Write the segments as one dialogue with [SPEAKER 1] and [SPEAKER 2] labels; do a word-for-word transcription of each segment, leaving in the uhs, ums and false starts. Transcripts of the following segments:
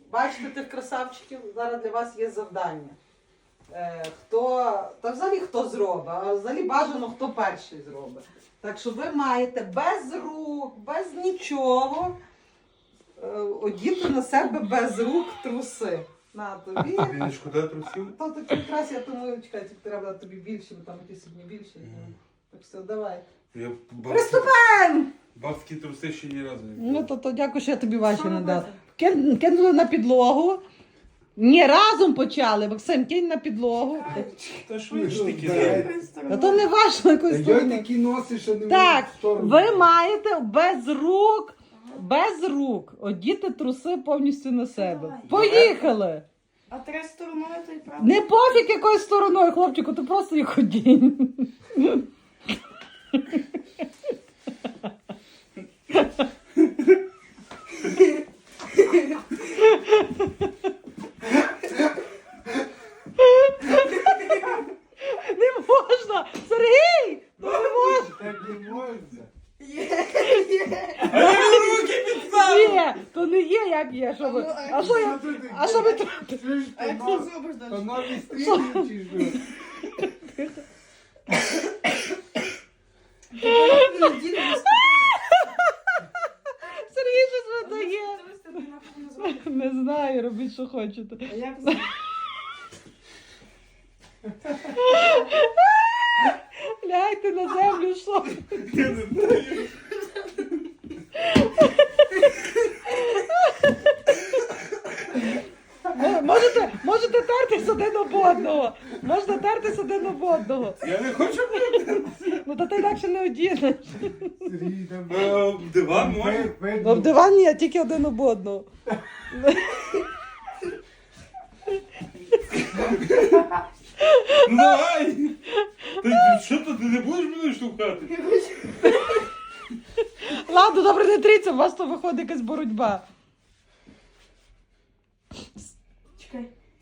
[SPEAKER 1] Бачите тих красавчиків? Зараз для вас є завдання. Е, хто, та взагалі хто зробить, а взагалі бажано, хто перший зробить. Так що ви маєте без рук, без нічого е, одіти на себе без рук труси. На тобі.
[SPEAKER 2] Тобі не шкода трусів?
[SPEAKER 1] То такі якраз, я думаю, чекай, тільки треба тобі більше, бо там якісь одні більше.
[SPEAKER 2] Mm.
[SPEAKER 1] Так все, давай.
[SPEAKER 2] Я бабські,
[SPEAKER 1] Приступаємо!
[SPEAKER 2] бабські труси ще ні разу не
[SPEAKER 1] Ну,
[SPEAKER 2] бачив.
[SPEAKER 1] то, то дякую, що я тобі ваші
[SPEAKER 3] Що
[SPEAKER 1] не дала.
[SPEAKER 3] робити?
[SPEAKER 1] Кин, кинули на підлогу. Ні, разом почали. Максим, кинь на підлогу.
[SPEAKER 2] Та ж ви ж такі
[SPEAKER 4] Дай.
[SPEAKER 2] зараз.
[SPEAKER 1] А то не важно якоїсь
[SPEAKER 4] Я
[SPEAKER 1] сторони.
[SPEAKER 4] такі носиш, а не
[SPEAKER 1] Так,
[SPEAKER 4] в сторону.
[SPEAKER 1] ви маєте без рук, без рук одіти труси повністю на себе.
[SPEAKER 3] Давай.
[SPEAKER 1] Поїхали!
[SPEAKER 3] А три стороною, то й правда.
[SPEAKER 1] Не пофіг якою стороною, хлопчику, ти просто їх одінь. Не можна! Сергій! Ну не можна!
[SPEAKER 4] Так не можна.
[SPEAKER 2] Руки підстав!
[SPEAKER 1] Ні, то не є, як є. Що ви? А що я?
[SPEAKER 4] Що ти
[SPEAKER 1] А що ви
[SPEAKER 4] таке?
[SPEAKER 1] тут?
[SPEAKER 4] Чуєш,
[SPEAKER 3] А
[SPEAKER 4] то
[SPEAKER 3] як ти
[SPEAKER 4] нос-
[SPEAKER 3] зробиш
[SPEAKER 4] то
[SPEAKER 3] далі?
[SPEAKER 4] нові стрічки чи що?
[SPEAKER 1] Сергій щось видає. Не знаю, робіть, що хочете.
[SPEAKER 3] А як це?
[SPEAKER 1] Лягайте на землю, що?
[SPEAKER 2] Я не знаю.
[SPEAKER 1] Мо- Можете, можете тертись один об одного. Можна тертись один об одного.
[SPEAKER 2] Я не хочу бути.
[SPEAKER 1] Ну то ти інакше не одінеш.
[SPEAKER 4] Сергій, там-
[SPEAKER 2] Е, Диван може?
[SPEAKER 4] Видно.
[SPEAKER 1] Ну, в дивані я тільки один об одного.
[SPEAKER 2] Ну давай! Та що то, ти не будеш мене штовхати?
[SPEAKER 1] Ладно, добре, не тріться, у вас то виходить якась боротьба.
[SPEAKER 3] Чекай.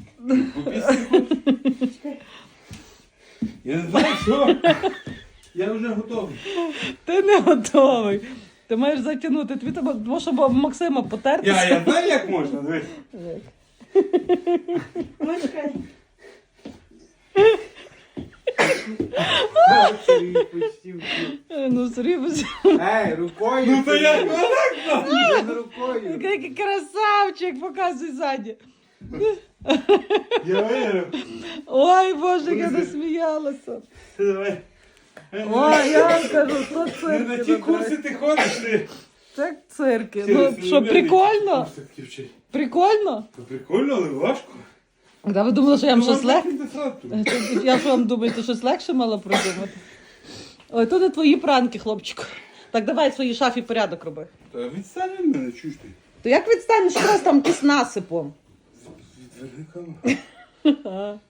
[SPEAKER 2] Я не знаю, що. Я вже готовий.
[SPEAKER 1] Ти не готовий. Ти маєш затягнути. Тобі треба, тому що об Максима потертися.
[SPEAKER 2] Я, я знаю, як можна. Дивись.
[SPEAKER 3] Ну, чекай.
[SPEAKER 4] А, Сергій почти втік.
[SPEAKER 1] Е, Ну, серйозно.
[SPEAKER 4] Ей, рукою.
[SPEAKER 2] Ну то як
[SPEAKER 4] Сергій.
[SPEAKER 2] отак?
[SPEAKER 4] Він рукою.
[SPEAKER 1] Який красавчик, показуй ззаді.
[SPEAKER 2] Я виграв.
[SPEAKER 1] Ой, Боже, я насміялася.
[SPEAKER 2] Давай.
[SPEAKER 1] Ой, я вам кажу, то
[SPEAKER 2] Не на ті
[SPEAKER 1] цирки.
[SPEAKER 2] курси ти ходиш, ти.
[SPEAKER 1] Це цирки.
[SPEAKER 2] Серйозно,
[SPEAKER 1] Ну, що,
[SPEAKER 2] не
[SPEAKER 1] прикольно?
[SPEAKER 2] Курси такі вчить.
[SPEAKER 1] Прикольно?
[SPEAKER 2] Та прикольно, але важко.
[SPEAKER 1] Да, ви думали, що я вам щось
[SPEAKER 2] Ну,
[SPEAKER 1] легше?
[SPEAKER 2] легко.
[SPEAKER 1] Я що вам думаю, ти щось легше мала придумати? Ой, то не твої пранки, хлопчику. Так давай в своїй шафі порядок роби.
[SPEAKER 2] Та відстань від мене, чуєш ти?
[SPEAKER 1] То як відстанеш раз там якийсь насипом?
[SPEAKER 2] Відверни камеру.
[SPEAKER 1] Ага.